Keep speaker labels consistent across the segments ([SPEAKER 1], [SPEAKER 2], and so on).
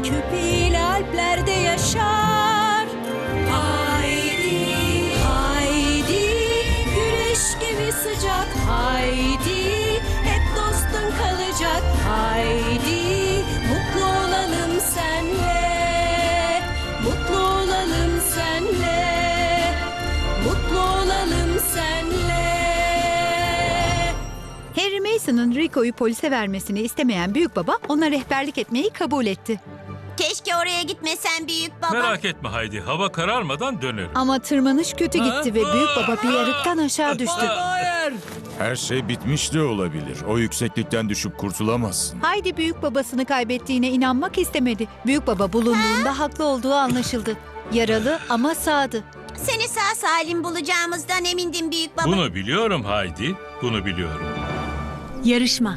[SPEAKER 1] köpeğiyle Alplerde yaşar. Haydi, haydi, güneş gibi sıcak. Haydi, hep dostun kalacak. Haydi, mutlu olalım senle. Mutlu olalım senle. Mutlu olalım senle.
[SPEAKER 2] Harry Mason'ın Rico'yu polise vermesini istemeyen büyük baba ona rehberlik etmeyi kabul etti.
[SPEAKER 3] Keşke oraya gitmesen büyük baba.
[SPEAKER 4] Merak etme Haydi, hava kararmadan dönerim.
[SPEAKER 2] Ama tırmanış kötü gitti ve büyük baba bir yarıktan aşağı düştü.
[SPEAKER 5] Her şey bitmiş de olabilir. O yükseklikten düşüp kurtulamazsın.
[SPEAKER 2] Haydi büyük babasını kaybettiğine inanmak istemedi. Büyük baba bulunduğunda haklı olduğu anlaşıldı. Yaralı ama sağdı.
[SPEAKER 3] Seni sağ salim bulacağımızdan emindim büyük baba.
[SPEAKER 4] Bunu biliyorum Haydi, bunu biliyorum.
[SPEAKER 6] Yarışma.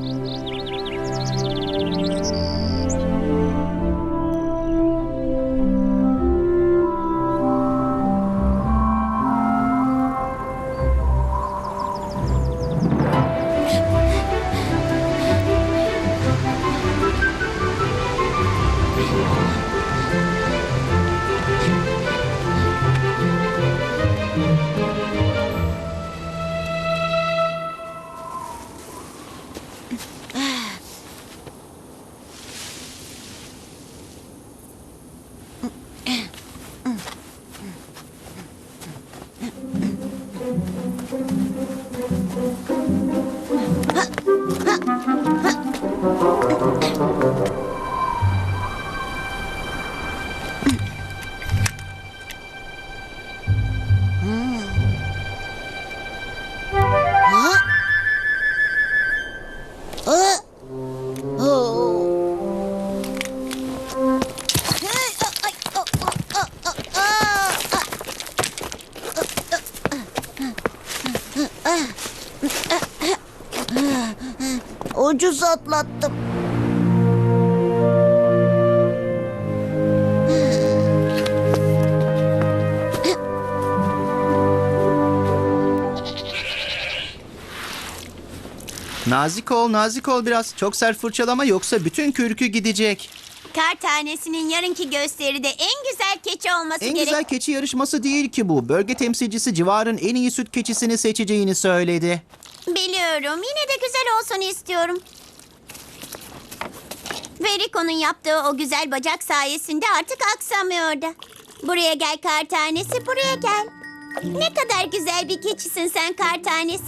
[SPEAKER 3] Ucuz atlattım.
[SPEAKER 7] Nazik ol, nazik ol biraz. Çok sert fırçalama yoksa bütün kürkü gidecek.
[SPEAKER 3] Kar tanesinin yarınki gösteride en güzel keçi olması
[SPEAKER 7] En
[SPEAKER 3] gerek.
[SPEAKER 7] güzel keçi yarışması değil ki bu. Bölge temsilcisi civarın en iyi süt keçisini seçeceğini söyledi.
[SPEAKER 3] Biliyorum. Yine de güzel olsun istiyorum. Ve Rico'nun yaptığı o güzel bacak sayesinde artık aksamıyor da. Buraya gel kar tanesi, buraya gel. Ne kadar güzel bir keçisin sen kar tanesi.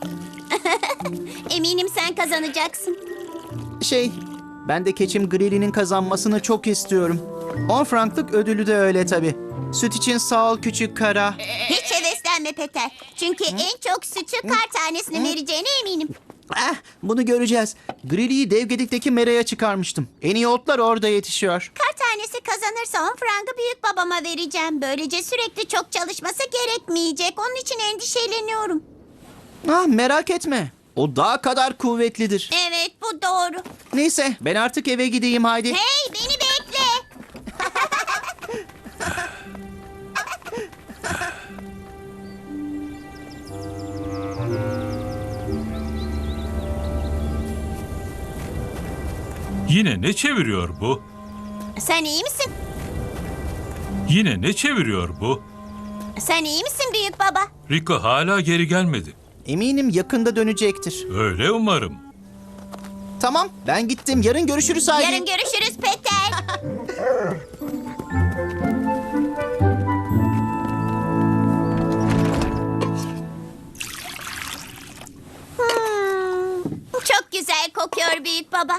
[SPEAKER 3] Eminim sen kazanacaksın.
[SPEAKER 7] Ben de keçim Grilli'nin kazanmasını çok istiyorum. 10 franklık ödülü de öyle tabii. Süt için sağ ol küçük kara.
[SPEAKER 3] Hiç heveslenme Peter. Çünkü en çok sütü kar tanesinin vereceğine eminim.
[SPEAKER 7] Bunu göreceğiz. Grilli'yi dev gedikteki meraya çıkarmıştım. En iyi otlar orada yetişiyor.
[SPEAKER 3] Kar tanesi kazanırsa 10 frangı büyük babama vereceğim. Böylece sürekli çok çalışması gerekmeyecek. Onun için endişeleniyorum.
[SPEAKER 7] Merak etme. O daha kadar kuvvetlidir.
[SPEAKER 3] Evet, bu doğru.
[SPEAKER 7] Neyse ben artık eve gideyim haydi.
[SPEAKER 3] Hey, beni bekle.
[SPEAKER 4] Yine ne çeviriyor bu?
[SPEAKER 3] Sen iyi misin?
[SPEAKER 4] Yine ne çeviriyor bu?
[SPEAKER 3] Sen iyi misin büyük baba?
[SPEAKER 4] Rico hala geri gelmedi.
[SPEAKER 7] Eminim yakında dönecektir.
[SPEAKER 4] Öyle umarım.
[SPEAKER 7] Tamam ben gittim. Yarın görüşürüz haydi.
[SPEAKER 3] Yarın görüşürüz Peter. Çok güzel kokuyor büyük baba.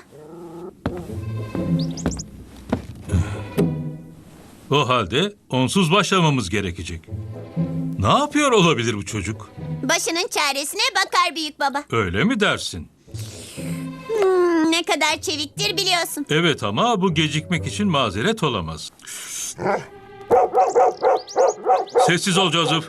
[SPEAKER 4] O halde onsuz başlamamız gerekecek. Ne yapıyor olabilir bu çocuk?
[SPEAKER 3] Başının çaresine bakar büyük baba.
[SPEAKER 4] Öyle mi dersin?
[SPEAKER 3] Ne kadar çeviktir biliyorsun.
[SPEAKER 4] Evet ama bu gecikmek için mazeret olamaz. Sessiz ol Joseph.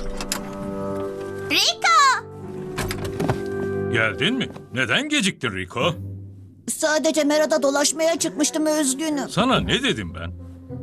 [SPEAKER 3] Rico!
[SPEAKER 4] Geldin mi? Neden geciktin Rico?
[SPEAKER 8] Sadece merada dolaşmaya çıkmıştım, üzgünüm.
[SPEAKER 4] Sana ne dedim ben?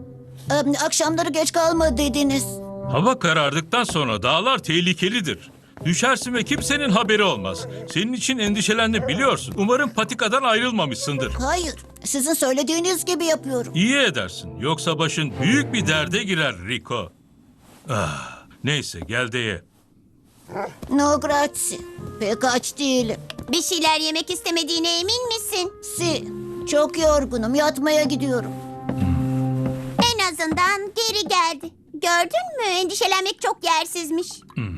[SPEAKER 8] Akşamları geç kalma dediniz.
[SPEAKER 4] Hava karardıktan sonra dağlar tehlikelidir. Düşersin ve kimsenin haberi olmaz. Senin için endişelendim biliyorsun. Umarım patikadan ayrılmamışsındır.
[SPEAKER 8] Hayır, sizin söylediğiniz gibi yapıyorum.
[SPEAKER 4] İyi edersin. Yoksa başın büyük bir derde girer Rico. Ah, neyse gel de ye.
[SPEAKER 8] No grazie. Pek aç değilim.
[SPEAKER 3] Bir şeyler yemek istemediğine emin misin?
[SPEAKER 8] Si, çok yorgunum. Yatmaya gidiyorum.
[SPEAKER 3] En azından geri geldi. Gördün mü? Endişelenmek çok yersizmiş.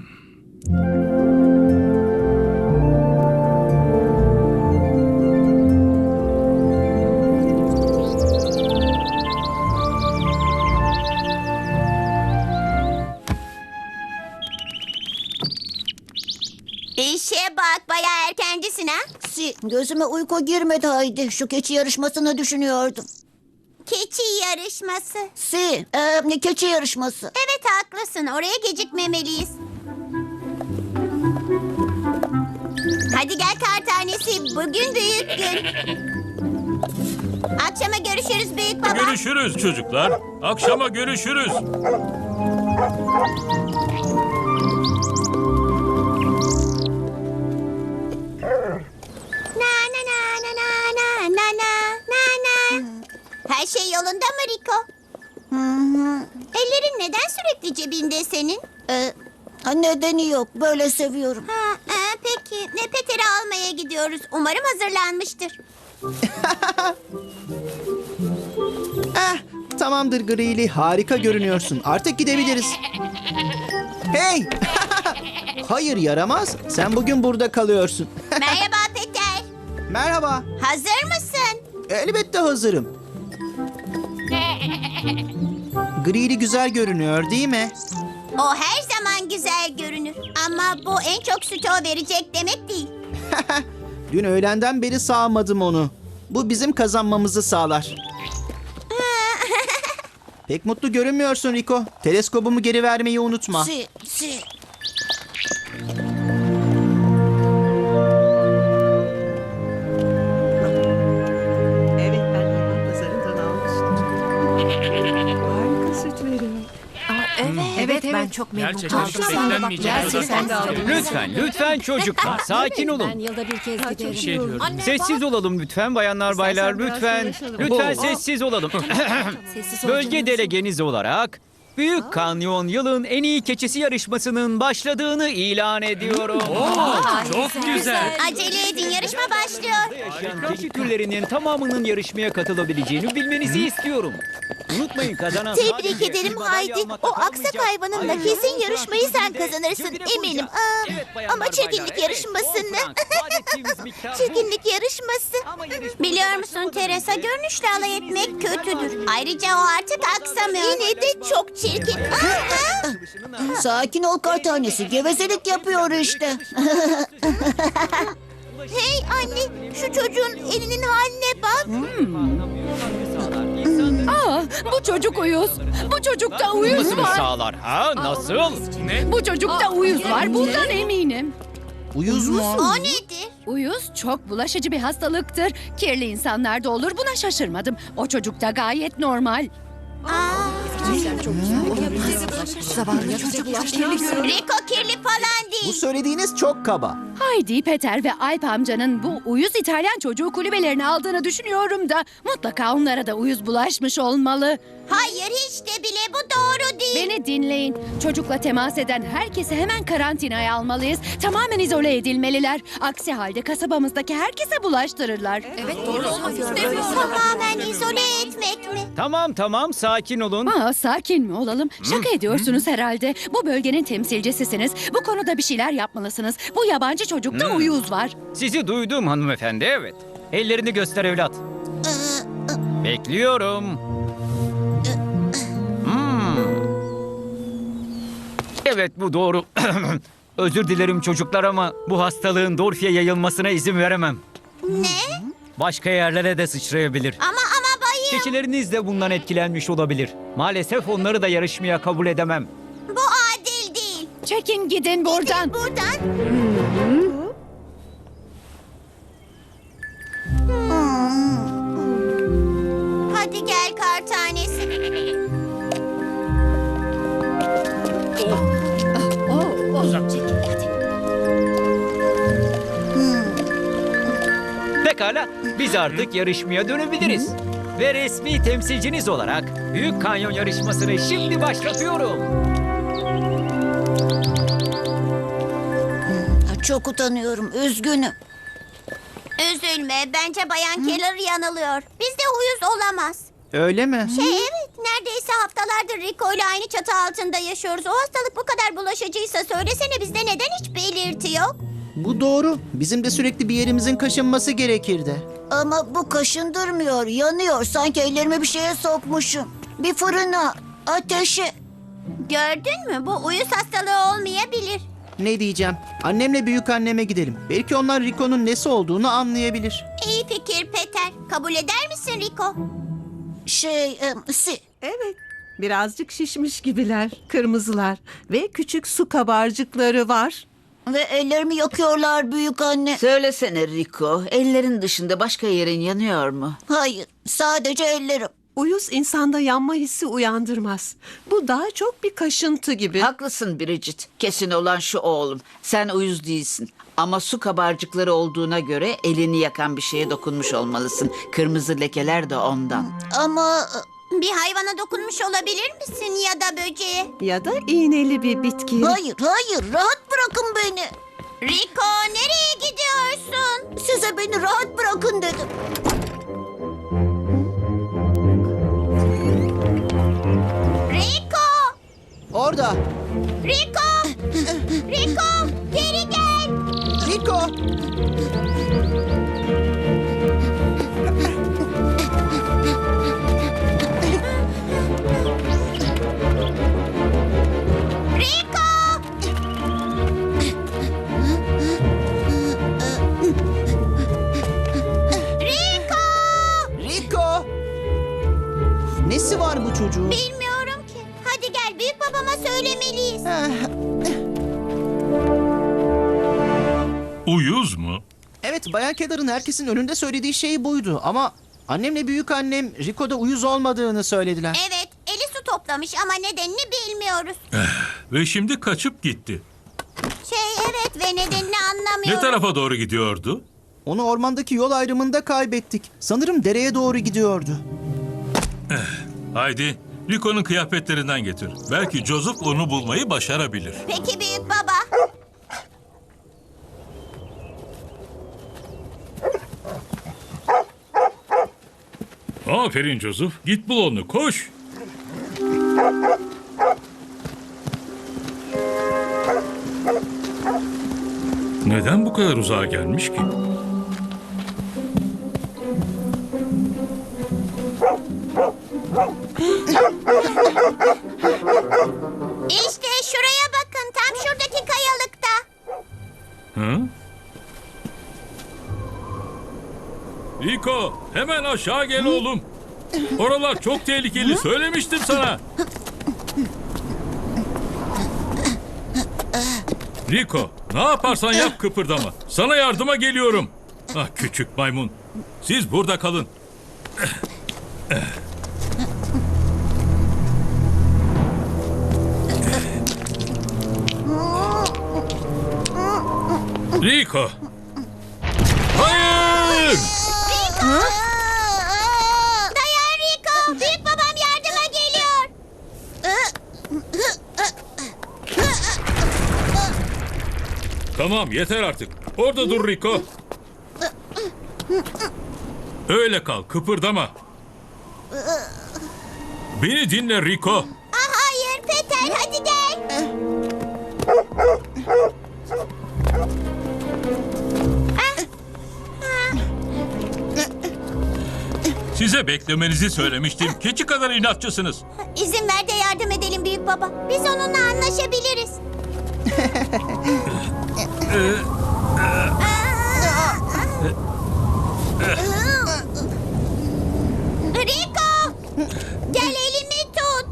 [SPEAKER 3] İşe bak, bayağı erkencisin ha?
[SPEAKER 8] Si, gözüme uyku girmedi Haydi. Şu keçi yarışmasını düşünüyordum.
[SPEAKER 3] Keçi yarışması.
[SPEAKER 8] Si, keçi yarışması.
[SPEAKER 3] Evet haklısın, oraya gecikmemeliyiz. Hadi gel kar tanesi, bugün büyük gün. Akşama görüşürüz büyük baba.
[SPEAKER 4] Görüşürüz çocuklar. Akşama görüşürüz.
[SPEAKER 3] Na na na na na na na na na na. Her şey yolunda mı Rico? Ellerin neden sürekli cebinde senin?
[SPEAKER 8] Nedeni yok. Böyle seviyorum.
[SPEAKER 3] Peki. Peter'i almaya gidiyoruz. Umarım hazırlanmıştır.
[SPEAKER 7] Tamamdır Grili, harika görünüyorsun. Artık gidebiliriz. Hey! Hayır yaramaz. Sen bugün burada kalıyorsun.
[SPEAKER 3] Merhaba Peter.
[SPEAKER 7] Merhaba.
[SPEAKER 3] Hazır mısın?
[SPEAKER 7] Elbette hazırım. Grili güzel görünüyor değil mi?
[SPEAKER 3] O her zaman güzel görünür. Ama bu en çok sütü o verecek demek değil.
[SPEAKER 7] Dün öğlenden beri sağmadım onu. Bu bizim kazanmamızı sağlar. Pek mutlu görünmüyorsun Rico. Teleskobumu geri vermeyi unutma.
[SPEAKER 8] Si.
[SPEAKER 9] Evet, ben hayvan pazarından almıştım. Harika süt veriyor.
[SPEAKER 6] Evet, ben çok memnun kaldım.
[SPEAKER 2] Gerçekten de aldım.
[SPEAKER 10] Lütfen çocuklar sakin olun.
[SPEAKER 6] Yılda bir kez giderim.
[SPEAKER 10] Sessiz olalım lütfen bayanlar baylar lütfen. Lütfen sessiz olalım. Bölge delegeniz olarak Büyük Kanyon yılın en iyi keçisi yarışmasının başladığını ilan ediyorum.
[SPEAKER 4] Çok güzel.
[SPEAKER 3] Acele edin, yarışma başlıyor.
[SPEAKER 10] Yaşayan keçi türlerinin tamamının yarışmaya katılabileceğini bilmenizi istiyorum. Unutmayın kazanan
[SPEAKER 3] Tebrik
[SPEAKER 10] sadece
[SPEAKER 3] ederim
[SPEAKER 10] madalya
[SPEAKER 3] Haydi.
[SPEAKER 10] almakla
[SPEAKER 3] O aksak
[SPEAKER 10] kalmayacak.
[SPEAKER 3] hayvanınla
[SPEAKER 10] Ayrıca
[SPEAKER 3] kesin
[SPEAKER 10] bu
[SPEAKER 3] yarışmayı sen
[SPEAKER 10] sayesinde
[SPEAKER 3] kazanırsın
[SPEAKER 10] jüride
[SPEAKER 3] eminim.
[SPEAKER 10] bulacağım. Evet, bayanlar,
[SPEAKER 3] Ama çirkinlik
[SPEAKER 10] baylar,
[SPEAKER 3] yarışmasını.
[SPEAKER 10] evet, on frank. Vaat ettiğimiz miktar bu.
[SPEAKER 3] Çirkinlik yarışması.
[SPEAKER 10] Ama yarışmamıza
[SPEAKER 3] Biliyor musun
[SPEAKER 10] başlamadan
[SPEAKER 3] Teresa,
[SPEAKER 10] önce-
[SPEAKER 3] görünüşle alay etmek kötüdür. Ayrıca o artık aksamıyor. Yine de çok çirkin.
[SPEAKER 8] Sakin ol kar tanesi. Gevezelik yapıyor işte.
[SPEAKER 3] Hey anne, şu çocuğun elinin haline bak.
[SPEAKER 6] Bu çocuk uyuz. Bu çocukta uyuz
[SPEAKER 10] Nasıl
[SPEAKER 6] var.
[SPEAKER 10] sağlar ha? Nasıl?
[SPEAKER 6] Bu çocukta uyuz var. Bundan eminim.
[SPEAKER 7] Uyuz mu?
[SPEAKER 3] O nedir?
[SPEAKER 6] Uyuz çok bulaşıcı bir hastalıktır. Kirli insanlarda olur. Buna şaşırmadım. O çocukta gayet normal.
[SPEAKER 3] Rico kirli falan
[SPEAKER 7] Bu
[SPEAKER 3] değil.
[SPEAKER 7] söylediğiniz çok kaba.
[SPEAKER 6] Haydi, Peter ve Alp amcanın bu uyuz İtalyan çocuğu kulübelerini aldığını düşünüyorum da mutlaka onlara da uyuz bulaşmış olmalı.
[SPEAKER 3] Hayır hiç de bile, bu doğru değil.
[SPEAKER 6] Beni dinleyin. Çocukla temas eden herkesi hemen karantinaya almalıyız. Tamamen izole edilmeliler. Aksi halde kasabamızdaki herkese bulaştırırlar. Evet,
[SPEAKER 3] Tamamen izole etmek mi?
[SPEAKER 10] Tamam sakin olun.
[SPEAKER 6] Sakin mi olalım? Şaka ediyorsunuz herhalde. Bu bölgenin temsilcisisiniz. Bu konuda bir şeyler yapmalısınız. Bu yabancı çocukta uyuz var.
[SPEAKER 10] Sizi duydum hanımefendi evet. Ellerini göster evlat. Bekliyorum. Evet bu doğru. Özür dilerim çocuklar ama bu hastalığın Dorfi'ye yayılmasına izin veremem.
[SPEAKER 3] Ne?
[SPEAKER 10] Başka yerlere de sıçrayabilir.
[SPEAKER 3] Ama bayım.
[SPEAKER 10] Keçileriniz de bundan etkilenmiş olabilir. Maalesef onları da yarışmaya kabul edemem.
[SPEAKER 3] Bu adil değil.
[SPEAKER 6] Çekin gidin buradan.
[SPEAKER 3] Buradan. Hadi gel kar tanesi.
[SPEAKER 6] Çekin hadi.
[SPEAKER 10] Pekala, biz artık yarışmaya dönebiliriz. Ve resmi temsilciniz olarak Büyük Kanyon yarışmasını şimdi başlatıyorum.
[SPEAKER 8] Çok utanıyorum, üzgünüm.
[SPEAKER 3] Üzülme, bence Bayan Keller yanılıyor. Bizde uyuz olamaz.
[SPEAKER 7] Öyle mi?
[SPEAKER 3] Evet, neredeyse haftalardır Rico ile aynı çatı altında yaşıyoruz. O hastalık bu kadar bulaşıcıysa söylesene bizde neden hiç belirti yok?
[SPEAKER 7] Bu doğru. Bizim de sürekli bir yerimizin kaşınması gerekirdi.
[SPEAKER 8] Ama bu kaşındırmıyor, yanıyor. Sanki ellerimi bir şeye sokmuşum. Bir fırına, ateşe.
[SPEAKER 3] Gördün mü? Bu uyuz hastalığı olmayabilir.
[SPEAKER 7] Ne diyeceğim? Annemle büyük anneme gidelim. Belki onlar Rico'nun nesi olduğunu anlayabilir.
[SPEAKER 3] İyi fikir Peter. Kabul eder misin Rico?
[SPEAKER 9] Evet. Birazcık şişmiş gibiler. Kırmızılar. Ve küçük su kabarcıkları var.
[SPEAKER 8] Ve ellerimi yakıyorlar büyük anne.
[SPEAKER 11] Söylesene Rico, ellerin dışında başka yerin yanıyor mu?
[SPEAKER 8] Hayır, sadece ellerim.
[SPEAKER 9] Uyuz insanda yanma hissi uyandırmaz. Bu daha çok bir kaşıntı gibi.
[SPEAKER 11] Haklısın Bridget. Kesin olan şu oğlum. Sen uyuz değilsin. Ama su kabarcıkları olduğuna göre elini yakan bir şeye dokunmuş olmalısın. Kırmızı lekeler de ondan.
[SPEAKER 8] Ama
[SPEAKER 3] Bir hayvana dokunmuş olabilir misin ya da böceğe?
[SPEAKER 9] Ya da iğneli bir bitki.
[SPEAKER 8] hayır, rahat bırakın beni.
[SPEAKER 3] Rico nereye gidiyorsun?
[SPEAKER 8] Size beni rahat bırakın dedim.
[SPEAKER 3] Rico!
[SPEAKER 7] Orada.
[SPEAKER 3] Rico! Rico! Geri gel!
[SPEAKER 7] Rico!
[SPEAKER 3] Rico! Rico!
[SPEAKER 7] Rico! Nesi var bu çocuğun?
[SPEAKER 3] Bilmiyorum ki. Hadi gel büyük babama söylemeliyiz.
[SPEAKER 4] Uyuz mu?
[SPEAKER 7] Evet, Bayan Keller'ın herkesin önünde söylediği şey buydu. Ama annemle büyük annem Rico'da uyuz olmadığını söylediler.
[SPEAKER 3] Evet, eli su toplamış ama nedenini bilmiyoruz.
[SPEAKER 4] Ve şimdi kaçıp gitti.
[SPEAKER 3] Evet ve nedenini anlamıyorum.
[SPEAKER 4] Ne tarafa doğru gidiyordu?
[SPEAKER 7] Onu ormandaki yol ayrımında kaybettik. Sanırım dereye doğru gidiyordu.
[SPEAKER 4] Haydi, Rico'nun kıyafetlerinden getir. Belki Joseph onu bulmayı başarabilir.
[SPEAKER 3] Peki büyük baba.
[SPEAKER 4] Aferin Joseph. Git bul onu. Koş. Neden bu kadar uzağa gelmiş ki?
[SPEAKER 3] İşte şuraya bakın, tam şuradaki kayalıkta.
[SPEAKER 4] Hı? Rico, hemen aşağı gel oğlum. Oralar çok tehlikeli. Söylemiştim sana. Rico, ne yaparsan yap kıpırdama. Sana yardıma geliyorum. Ah küçük maymun. Siz burada kalın. Rico. Hayır!
[SPEAKER 3] Dayan Rico, büyük babam yardıma geliyor.
[SPEAKER 4] Tamam yeter artık. Orada dur Rico. Öyle kal, kıpırdama. Beni dinle Rico.
[SPEAKER 3] Hayır Peter, hadi gel.
[SPEAKER 4] Size beklemenizi söylemiştim. Keçi kadar inatçısınız.
[SPEAKER 3] İzin ver de yardım edelim büyük baba. Biz onunla anlaşabiliriz. Rico! Gel elimi tut.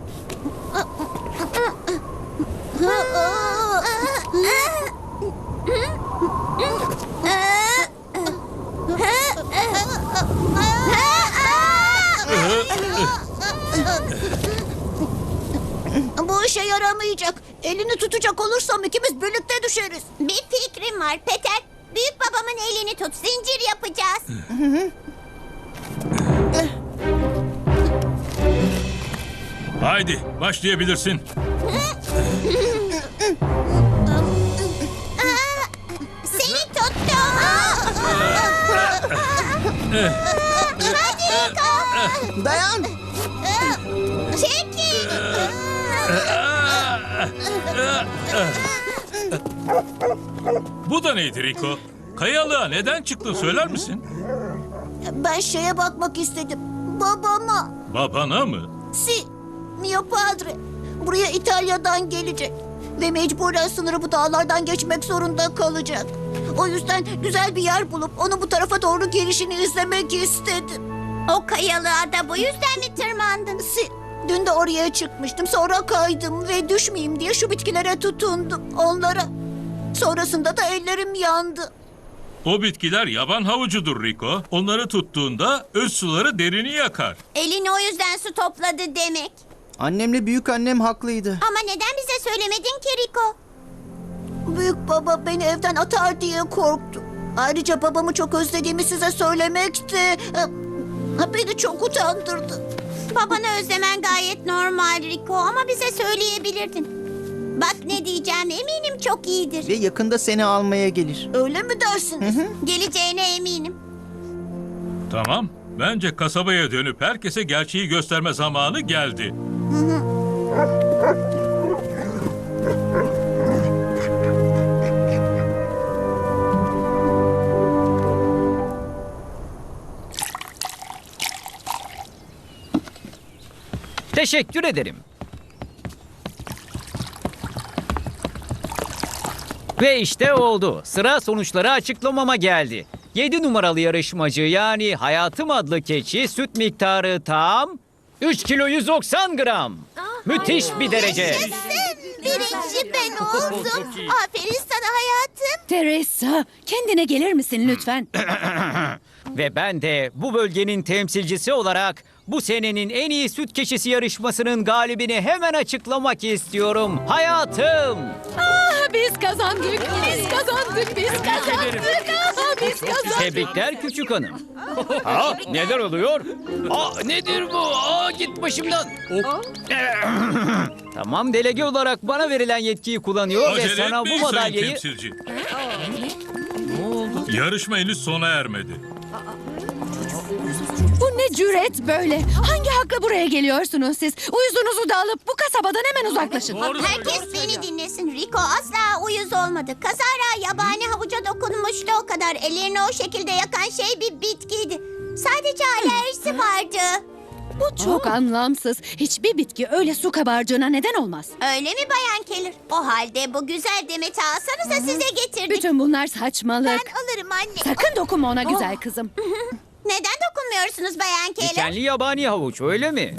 [SPEAKER 8] Bu işe yaramayacak. Elini tutacak olursam ikimiz birlikte düşeriz.
[SPEAKER 3] Bir fikrim var Peter. Büyük babamın elini tut. Zincir yapacağız.
[SPEAKER 4] Haydi başlayabilirsin.
[SPEAKER 3] Seni tuttum. Hadi Rico.
[SPEAKER 7] Dayan.
[SPEAKER 3] Çekil.
[SPEAKER 4] Bu da neydi Rico? Kayalığa neden çıktın söyler misin?
[SPEAKER 8] Ben şeye bakmak istedim. Babama.
[SPEAKER 4] Babana mı?
[SPEAKER 8] Si, mio padre. Buraya İtalya'dan gelecek. Ve mecburen sınırı bu dağlardan geçmek zorunda kalacak. O yüzden güzel bir yer bulup onu bu tarafa doğru gelişini izlemek istedim.
[SPEAKER 3] O kayalığa da bu yüzden mi tırmandın?
[SPEAKER 8] Si, dün de oraya çıkmıştım. Sonra kaydım ve düşmeyeyim diye şu bitkilere tutundum. Onlara. Sonrasında da ellerim yandı.
[SPEAKER 4] O bitkiler yaban havucudur Rico. Onları tuttuğunda öz suları derini yakar.
[SPEAKER 3] Elini o yüzden su topladı demek.
[SPEAKER 7] Annemle büyük annem haklıydı.
[SPEAKER 3] Ama neden bize söylemedin ki Rico?
[SPEAKER 8] Büyük baba beni evden atar diye korktu. Ayrıca babamı çok özlediğimi size söylemek de beni çok utandırdı.
[SPEAKER 3] Babanı özlemen gayet normal Rico ama bize söyleyebilirdin. Bak ne diyeceğim eminim çok iyidir.
[SPEAKER 7] Ve yakında seni almaya gelir.
[SPEAKER 8] Öyle mi dersiniz?
[SPEAKER 3] Geleceğine eminim.
[SPEAKER 4] Tamam. Bence kasabaya dönüp herkese gerçeği gösterme zamanı geldi.
[SPEAKER 10] Teşekkür ederim. Ve işte oldu. Sıra sonuçları açıklamama geldi. 7 numaralı yarışmacı yani Hayatım adlı keçi süt miktarı tam 3 kilo 190 gram. Müthiş bir derece.
[SPEAKER 3] Birinci ben oldum. Aferin sana hayatım.
[SPEAKER 6] Teresa, kendine gelir misin lütfen?
[SPEAKER 10] Ve ben de bu bölgenin temsilcisi olarak bu senenin en iyi süt keçisi yarışmasının galibini hemen açıklamak istiyorum. Hayatım.
[SPEAKER 6] Biz kazandık, biz kazandık, biz kazandık. Biz kazandık.
[SPEAKER 10] Tebrikler küçük hanım. Ha, neler oluyor? Nedir bu? Git başımdan. Tamam, delege olarak bana verilen yetkiyi kullanıyor ve
[SPEAKER 4] Acele
[SPEAKER 10] sana bu
[SPEAKER 4] etmeyin sayın
[SPEAKER 10] madalyayı...
[SPEAKER 4] temsilci. Yarışma henüz sona ermedi.
[SPEAKER 6] Bu ne cüret böyle? Hangi hakla buraya geliyorsunuz siz? Uyuzunuzu da alıp bu kasabadan hemen uzaklaşın.
[SPEAKER 3] Herkes beni dinlesin. Rico asla uyuz olmadı. Kazara yabani havuca dokunmuştu o kadar. Ellerini o şekilde yakan şey bir bitkiydi. Sadece alerjisi vardı.
[SPEAKER 6] Bu çok anlamsız. Hiçbir bitki öyle su kabarcığına neden olmaz.
[SPEAKER 3] Öyle mi Bayan Keller? O halde bu güzel demeti alsanıza size getirdik.
[SPEAKER 6] Bütün bunlar saçmalık.
[SPEAKER 3] Alırım anne.
[SPEAKER 6] Sakın dokunma ona güzel kızım.
[SPEAKER 3] Neden dokunmuyorsunuz Bayan Keller?
[SPEAKER 10] Dikenli yabani havuç, öyle mi?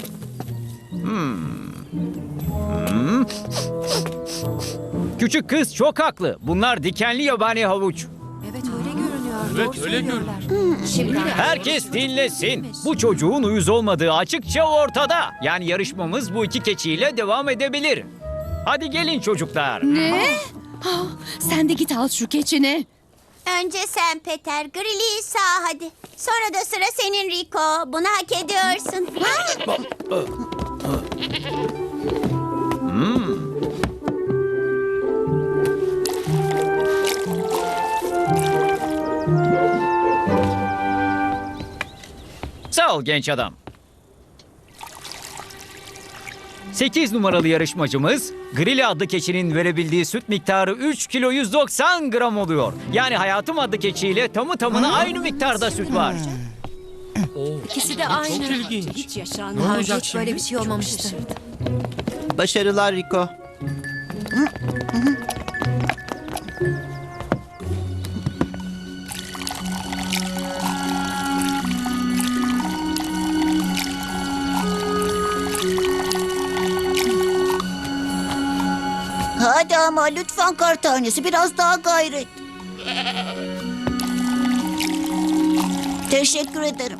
[SPEAKER 10] Küçük kız çok haklı. Bunlar dikenli yabani havuç.
[SPEAKER 1] Evet öyle görünüyor.
[SPEAKER 4] Evet öyle görünüyor.
[SPEAKER 10] Herkes dinlesin. Bu çocuğun uyuz olmadığı açıkça ortada. Yani yarışmamız bu iki keçiyle devam edebilir. Hadi gelin çocuklar.
[SPEAKER 6] Ne? Sen de git al şu keçini.
[SPEAKER 3] Önce sen Peter, Grilli'yi sağ hadi. Sonra da sıra senin Rico. Bunu hak ediyorsun.
[SPEAKER 10] Sağ ol genç adam. 8 numaralı yarışmacımız Grilli adlı keçinin verebildiği süt miktarı 3 kilo 190 gram oluyor. Yani Hayatım adlı keçiyle tamı tamına aynı miktarda süt var.
[SPEAKER 1] İkisi de aynı. Çok ilginç. Hiç yaşanmadı. Hiç böyle bir şey olmamıştı.
[SPEAKER 7] Başarılar Rico.
[SPEAKER 8] Hadi ama lütfen kar tanesi biraz daha gayret. Teşekkür ederim.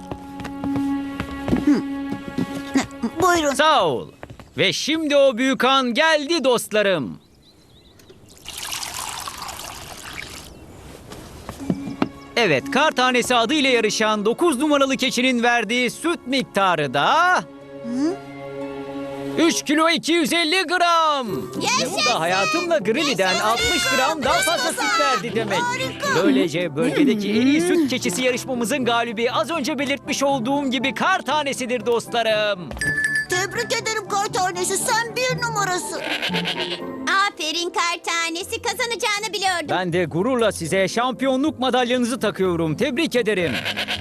[SPEAKER 8] Buyurun.
[SPEAKER 10] Sağ ol. Ve şimdi o büyük an geldi dostlarım. Evet, kar tanesi adıyla yarışan 9 numaralı keçinin verdiği süt miktarı da... 3 kilo 250 gram. Ve bu da hayatımla Grilli'den 60 gram daha fazla süt verdi demek. Böylece bölgedeki en iyi süt keçisi yarışmamızın galibi az önce belirtmiş olduğum gibi kar tanesidir dostlarım.
[SPEAKER 8] Tebrik ederim kar tanesi. Sen bir numarasın.
[SPEAKER 3] Aferin kar tanesi, kazanacağını biliyordum.
[SPEAKER 10] Ben de gururla size şampiyonluk madalyanızı takıyorum. Tebrik ederim.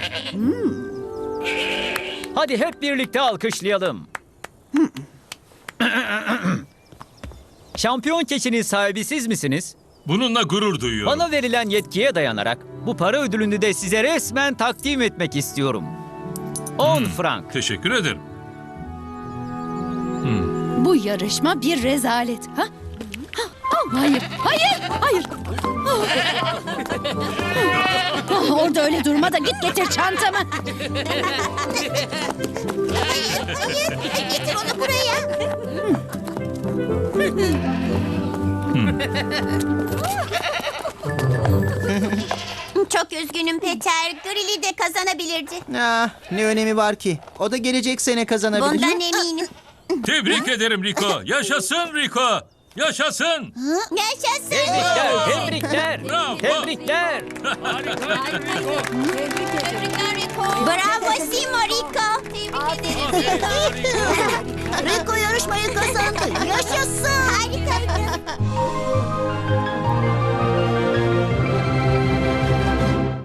[SPEAKER 10] Hadi hep birlikte alkışlayalım. Şampiyon keçinin sahibi siz misiniz?
[SPEAKER 4] Bununla gurur duyuyorum.
[SPEAKER 10] Bana verilen yetkiye dayanarak bu para ödülünü de size resmen takdim etmek istiyorum. 10 frank.
[SPEAKER 4] Teşekkür ederim.
[SPEAKER 6] Bu yarışma bir rezalet. Ha? Hayır, hayır, hayır. Orada öyle durma da git getir çantamı.
[SPEAKER 3] Hayır, getir onu buraya. Çok üzgünüm Peter. Grilli de kazanabilirdi.
[SPEAKER 7] Ah, ne önemi var ki? O da gelecek sene kazanabilir.
[SPEAKER 3] Bundan eminim.
[SPEAKER 4] Tebrik ederim Rico. Yaşasın Rico. Yaşasın.
[SPEAKER 3] Yaşasın.
[SPEAKER 10] Tebrikler, tebrikler,
[SPEAKER 4] Bravo.
[SPEAKER 10] tebrikler.
[SPEAKER 3] Bravo Simo Rico. Tebrik ederim.
[SPEAKER 8] Rico yarışmayı kazandı. Yaşasın.
[SPEAKER 3] Harika.